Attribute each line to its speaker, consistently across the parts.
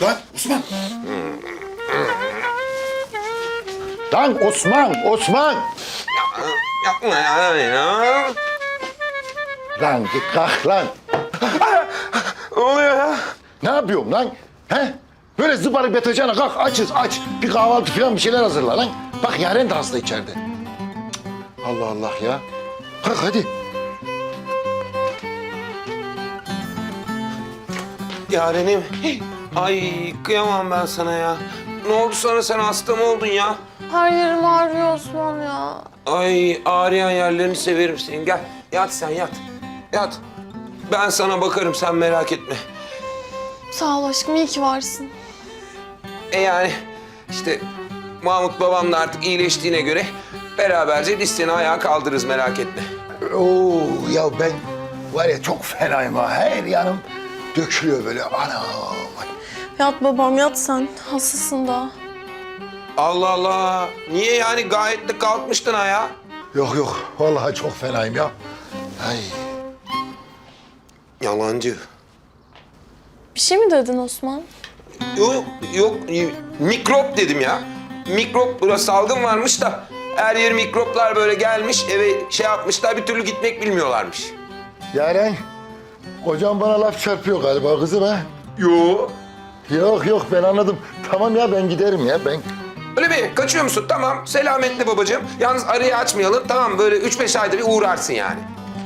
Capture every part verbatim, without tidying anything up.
Speaker 1: Lan Osman. Lan Osman, Osman.
Speaker 2: Yapma ya ya.
Speaker 1: Lan git kalk lan.
Speaker 2: Ne oluyor ya?
Speaker 1: Ne yapıyorum lan? He? Böyle zıbarıp yatacağına kalk açız aç. Bir kahvaltı falan bir şeyler hazırla lan. Bak Yaren de hasta içeride. Cık. Allah Allah ya. Kalk hadi.
Speaker 2: Yarenim. Ay kıyamam ben sana ya. Ne oldu sana, sen hasta mı oldun ya?
Speaker 3: Her yerim ağrıyor Osman ya.
Speaker 2: Ay ağrıyan yerlerini severim senin. Gel yat sen yat. Yat. Ben sana bakarım, sen merak etme.
Speaker 3: Sağ ol aşkım, iyi ki varsın.
Speaker 2: E yani işte Mahmut babam da artık iyileştiğine göre beraberce biz seni ayağa kaldırırız, merak etme.
Speaker 1: Oo ya ben var ya çok fenayım ha. Her yanım dökülüyor böyle. Ana.
Speaker 3: Yat babam yat sen, hastasın da.
Speaker 2: Allah Allah. Niye yani, gayet de kalkmıştın ayağa.
Speaker 1: Yok yok vallahi çok fenayım ya. Ay.
Speaker 2: Yalancı.
Speaker 3: Bir şey mi dedin Osman?
Speaker 2: Yok yok mikrop dedim ya. Mikrop, burası salgın varmış da her yer mikroplar böyle gelmiş, eve şey yapmışlar, bir türlü gitmek bilmiyorlarmış.
Speaker 1: Yaren, kocam bana laf çarpıyor galiba kızım ha.
Speaker 2: Yo.
Speaker 1: Yok yok ben anladım. Tamam ya ben giderim ya ben.
Speaker 2: Öyle mi? Kaçıyor musun? Tamam. Selametle babacığım. Yalnız arayı açmayalım. Tamam, böyle üç beş ayda bir uğrarsın yani.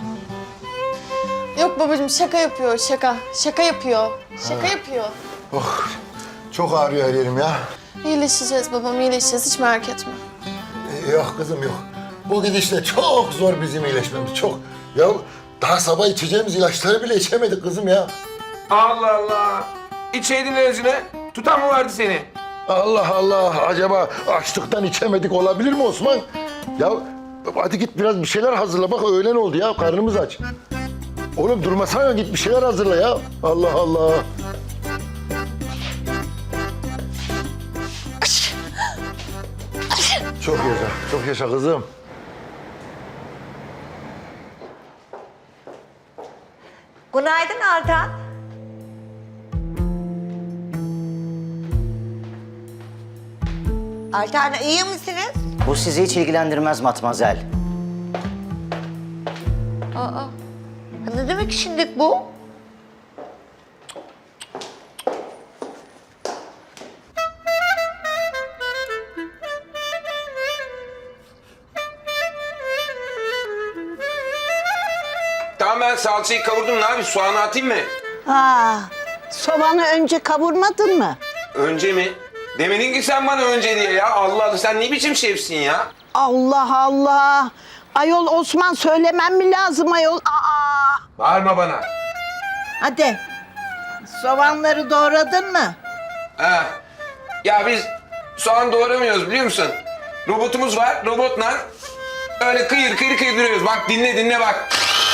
Speaker 3: Yok babacığım, şaka yapıyor, şaka. Şaka yapıyor. Şaka yapıyor.
Speaker 1: Oh çok ağrıyor her yerim ya.
Speaker 3: İyileşeceğiz babam, iyileşeceğiz. Hiç merak etme.
Speaker 1: Ee, Yok kızım yok. Bu gidişle çok zor bizim iyileşmemiz çok. Ya daha sabah içeceğimiz ilaçları bile içemedik kızım ya.
Speaker 2: Allah Allah. İçeydin ilacını. Tutan mı vardı seni?
Speaker 1: Allah Allah acaba açlıktan içemedik olabilir mi Osman? Ya hadi git biraz bir şeyler hazırla bak öğlen oldu ya karnımız aç. Oğlum durmasana git bir şeyler hazırla ya. Allah Allah. Çok yaşa, çok yaşa kızım.
Speaker 4: Günaydın Altan. Altan iyi misiniz?
Speaker 5: Bu sizi hiç ilgilendirmez Matmazel.
Speaker 4: Aa, ne demek şimdi bu?
Speaker 2: Tamam, ben salçayı kavurdum. Ne yapayım? Soğanı atayım mı?
Speaker 6: Aa, soğanı önce kavurmadın mı?
Speaker 2: Önce mi? Demedin ki sen bana önce diye ya. Allah Allah, sen ne biçim şefsin ya?
Speaker 6: Allah Allah. Ayol Osman söylemem mi lazım ayol? Aa.
Speaker 2: Bağırma bana.
Speaker 6: Hadi. Soğanları doğradın mı?
Speaker 2: Ha. Ya biz soğan doğramıyoruz biliyor musun? Robotumuz var. Robotla öyle kıyır kıyır kıyırdırıyoruz. Bak dinle dinle bak.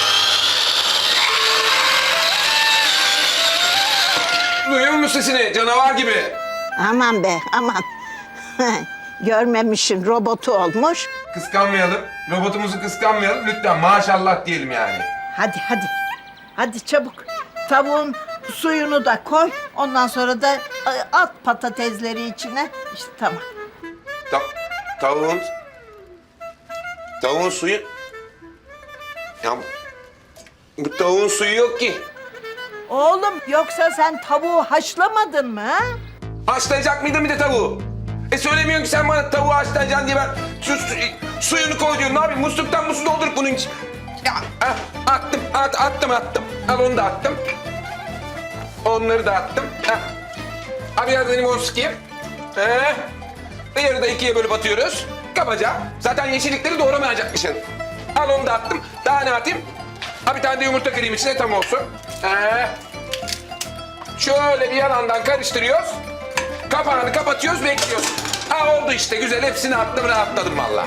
Speaker 2: Duyuyor musun sesini? Canavar gibi.
Speaker 6: Aman be aman. Görmemişsin robotu olmuş.
Speaker 2: Kıskanmayalım. Robotumuzu kıskanmayalım. Lütfen maşallah diyelim yani.
Speaker 6: Hadi hadi. Hadi çabuk. Tavuğun suyunu da koy. Ondan sonra da e, at patatesleri içine. İşte tamam.
Speaker 2: Ta tavuğun... Tavuğun suyu... Ya bu tavuğun suyu yok ki.
Speaker 6: Oğlum yoksa sen tavuğu haşlamadın mı ha?
Speaker 2: Haşlayacak mıydın bir de tavuğu? E söylemiyorsun ki sen bana tavuğu haşlayacaksın diye ben su, su, suyunu koy diyorum. Ne yapayım? Musluktan mu su doldurup bunun için? Ya ah, attım, at, attım, attım. Al onu da attım. Onları da attım. Ha. Abi biraz benim onu sıkayım. He. Ve yarıda ikiye bölüp atıyoruz. Kabaca. Zaten yeşillikleri doğramayacakmışsın. Al onu da attım. Daha ne atayım? Ha bir tane de yumurta kırayım içine tam olsun. He. Şöyle bir yandan karıştırıyoruz. Kapağını kapatıyoruz, bekliyoruz. Ha oldu işte, güzel. Hepsini attım, rahatladım vallahi.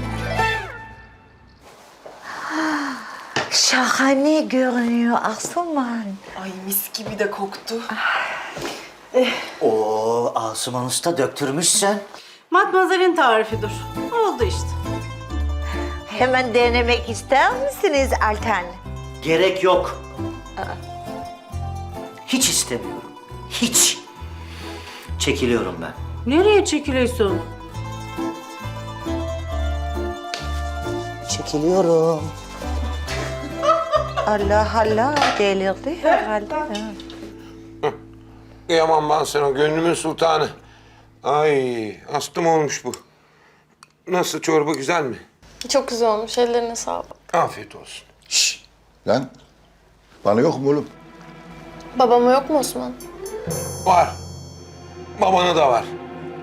Speaker 4: Şahane görünüyor Asuman.
Speaker 7: Ay mis gibi de koktu.
Speaker 5: Oo, Asuman Usta döktürmüşsün.
Speaker 7: Matmazel'in tarifidir. Oldu işte.
Speaker 4: Hemen denemek ister misiniz Altan?
Speaker 5: Gerek yok. Hiç istemiyorum. Hiç. Çekiliyorum ben.
Speaker 7: Nereye çekiliyorsun?
Speaker 5: Çekiliyorum.
Speaker 4: Allah Allah delirdi herhalde.
Speaker 2: Kıyamam ben sana gönlümün sultanı. Ay astım olmuş bu. Nasıl çorba güzel mi?
Speaker 3: Çok güzel olmuş. Ellerine sağlık.
Speaker 2: Afiyet olsun.
Speaker 1: Şşş. Lan bana yok mu oğlum?
Speaker 3: Babama yok mu Osman?
Speaker 2: Var. Babana da var.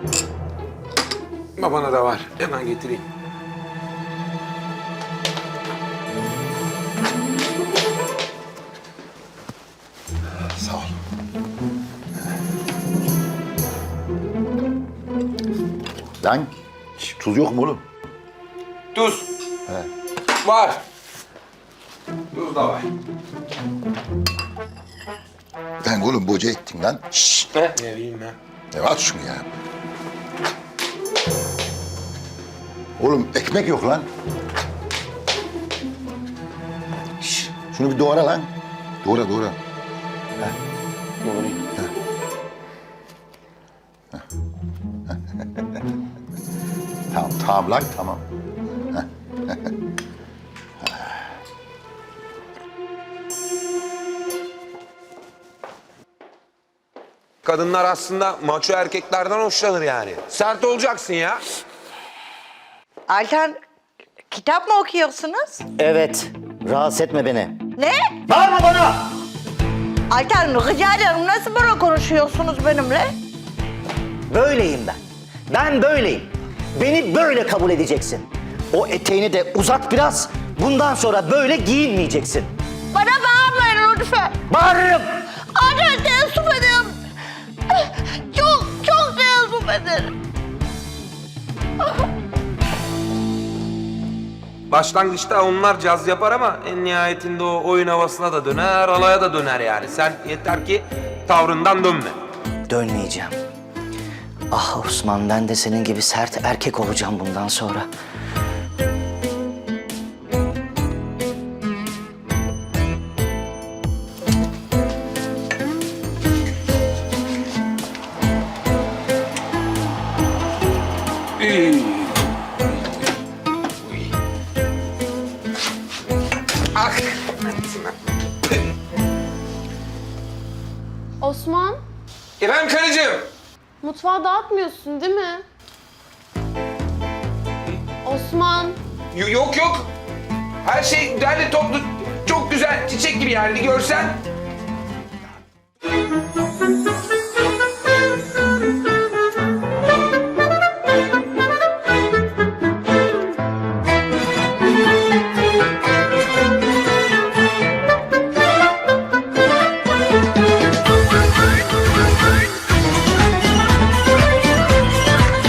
Speaker 2: Babana da var. Hemen getireyim.
Speaker 1: Sağ ol. Lan şş, tuz yok mu oğlum?
Speaker 2: Tuz. Var. Tuz da var.
Speaker 1: Lan oğlum boca ettin lan. Şşş.
Speaker 2: Ne? Ne bileyim ben.
Speaker 1: Ya at şunu ya. Oğlum ekmek yok lan. Şşş. Şunu bir doğra lan. Doğra doğra.
Speaker 2: Doğrayayım.
Speaker 1: Tamam tamam lan tamam.
Speaker 2: Kadınlar aslında maço erkeklerden hoşlanır yani. Sert olacaksın ya.
Speaker 4: Altan kitap mı okuyorsunuz?
Speaker 5: Evet. Rahatsız etme beni.
Speaker 4: Ne?
Speaker 5: Bağırma bana!
Speaker 4: Altan rica ederim nasıl böyle konuşuyorsunuz benimle?
Speaker 5: Böyleyim ben. Ben böyleyim. Beni böyle kabul edeceksin. O eteğini de uzat biraz. Bundan sonra böyle giyinmeyeceksin.
Speaker 4: Bana bağırmayın lütfen.
Speaker 5: Bağırırım.
Speaker 4: Altan teessüf ederim. Çok çok teessüf ederim.
Speaker 2: Başlangıçta onlar caz yapar ama en nihayetinde o oyun havasına da döner, alaya da döner yani. Sen yeter ki tavrından dönme.
Speaker 5: Dönmeyeceğim. Ah Osman, ben de senin gibi sert erkek olacağım bundan sonra.
Speaker 2: Ah!
Speaker 3: Osman,
Speaker 2: Efendim karıcığım.
Speaker 3: mutfağı dağıtmıyorsun değil mi? Osman,
Speaker 2: Y- yok yok. Her şey derli toplu, çok güzel, çiçek gibi yani. Bir görsen.